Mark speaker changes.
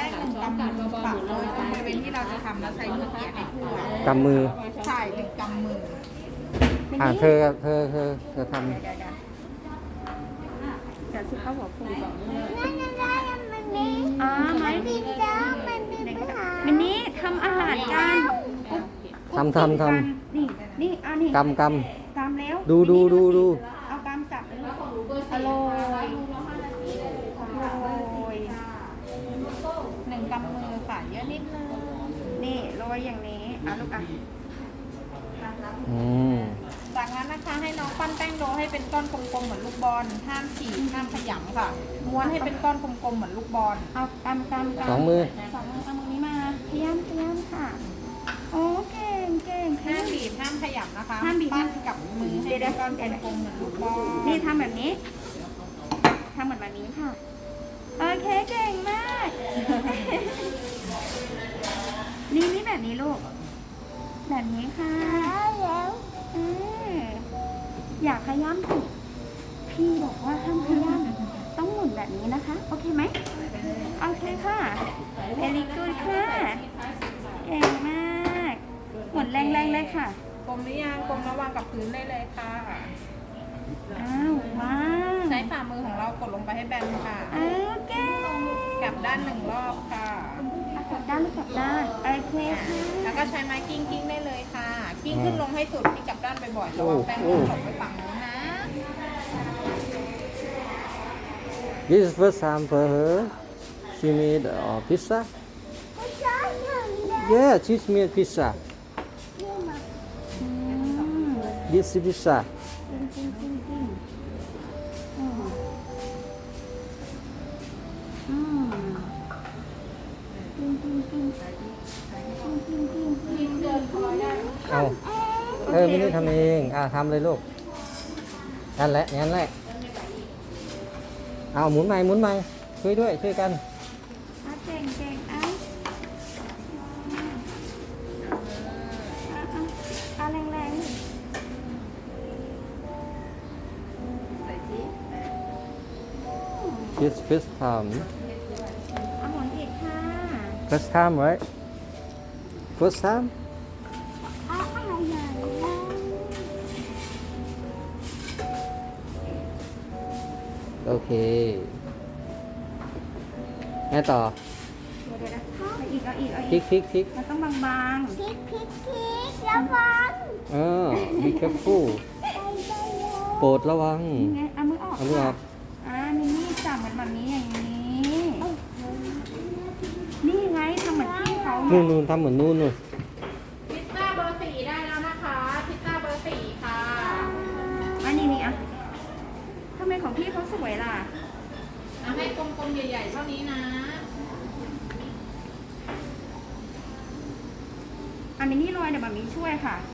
Speaker 1: หนึ่งกำมือค่ะโรยตรงบริเวณที่เราจะทำแล้วใช้มือเกี่ยให้ทั่ว
Speaker 2: กำมือ
Speaker 1: ใช่หนึ่งกำมือ
Speaker 2: เธอทำ
Speaker 1: เดี๋ยวสิเขาบอกคุณ
Speaker 3: อ๋อไหมมันนี้ทำอาหารกัน
Speaker 2: ทำ
Speaker 3: นี่นี่อันนี้
Speaker 2: กำ
Speaker 3: กำแล้ว
Speaker 2: ดู
Speaker 3: เอากำจับอร่อย
Speaker 1: หนึ่งกำมือค่ะเยอะนิดนึง
Speaker 3: นี่โรยอย่างนี้เอาลูกอ่ะ
Speaker 2: อืม
Speaker 1: จากนั้นนะคะให้น้องปั้นแป้งโดให้เป็นก้อนกลมๆเหมือนลูกบอลห้ามฉีกห้ามขยำค่ะม้วนให้เป็นก้อนกลมๆเหมือนลูกบอล
Speaker 3: เอากำ
Speaker 2: สองมือ
Speaker 3: สองมือเอามือนี้มาพยายามค่ะโอ้เก่ง
Speaker 1: ห้ามบีบห้ามขยำนะคะ
Speaker 3: ห้ามบีบ
Speaker 1: ปั้นกับมือให้เป็นก้อนกลมๆเหมือนลูกบอล
Speaker 3: นี่ทำแบบนี้ทำเหมือนแบบนี้ค่ะโอเคเก่งมาก นี่แบบนี้ลูกแบบนี้ค่ะอยากขย้ำสิพี่บอกว่าห้ามขย้ำต้องหมุนแบบนี้นะคะโอเคไหมโอเคค่ะเ very good ค่ะเก่งมากหมุนแรงๆเลยค่ะ
Speaker 1: กลมหรือยังกลมระวางกับพื้นได้เลยค่ะ
Speaker 3: อ้าวว้าว
Speaker 1: ใช้ฝ่ามือของเรากดลงไปให้แบนค่ะ
Speaker 3: อ้าวเก่ง
Speaker 1: กลับด้านหนึ่งรอบค่ะ
Speaker 3: กลับด้านหรือกลับด้านโอเคค่ะ
Speaker 1: แล้วก็ใช้ไม้กิ้งได้เลยค่ะ กิ้งขึ้นลงให้สุดที่กลับด้านบ่อยๆระวังแป้งมันตกไปฝั่งนู้นนะ
Speaker 2: This is first time for her. She made pizza. Yeah, she made pizza.
Speaker 3: อืม
Speaker 2: This is pizza.
Speaker 3: จริงอืมอืม
Speaker 2: เอาไม่ได้ทำเอง ทำเลยลูก นั่นแหละ เอาหมุนใหม่ ช่วยกัน
Speaker 3: เก่งเอาแรง
Speaker 2: This first time.
Speaker 3: เอาหมุนอีกค่ะ
Speaker 2: First time, right? First time? Okay. ไงต่อ
Speaker 3: เดี๋ยวเอาอีก
Speaker 2: พลิก
Speaker 3: มันต้องบาง
Speaker 2: Be careful โปรดระวัง
Speaker 3: ๆนี่ไงเอามือออก
Speaker 2: เอามือออก
Speaker 3: มินนี่จับเหมือนแบบนี้อย่างนี้ นี่ไงทำเหมือนพี่เขา
Speaker 2: นู่นทำเหมือนนู่น
Speaker 1: พิซซ่าเบอร์ 4ได้แล้วนะคะ พิซซ่าเบอร์ 4ค่ะ
Speaker 3: นี่อ่ะทำไมของพี่เขาสวยล่ะ
Speaker 1: เอาให้กลมๆใหญ่ๆเท่านี้นะ
Speaker 3: มินนี่โรยเดี๋ยวแบบนี้ช่วยค่ะ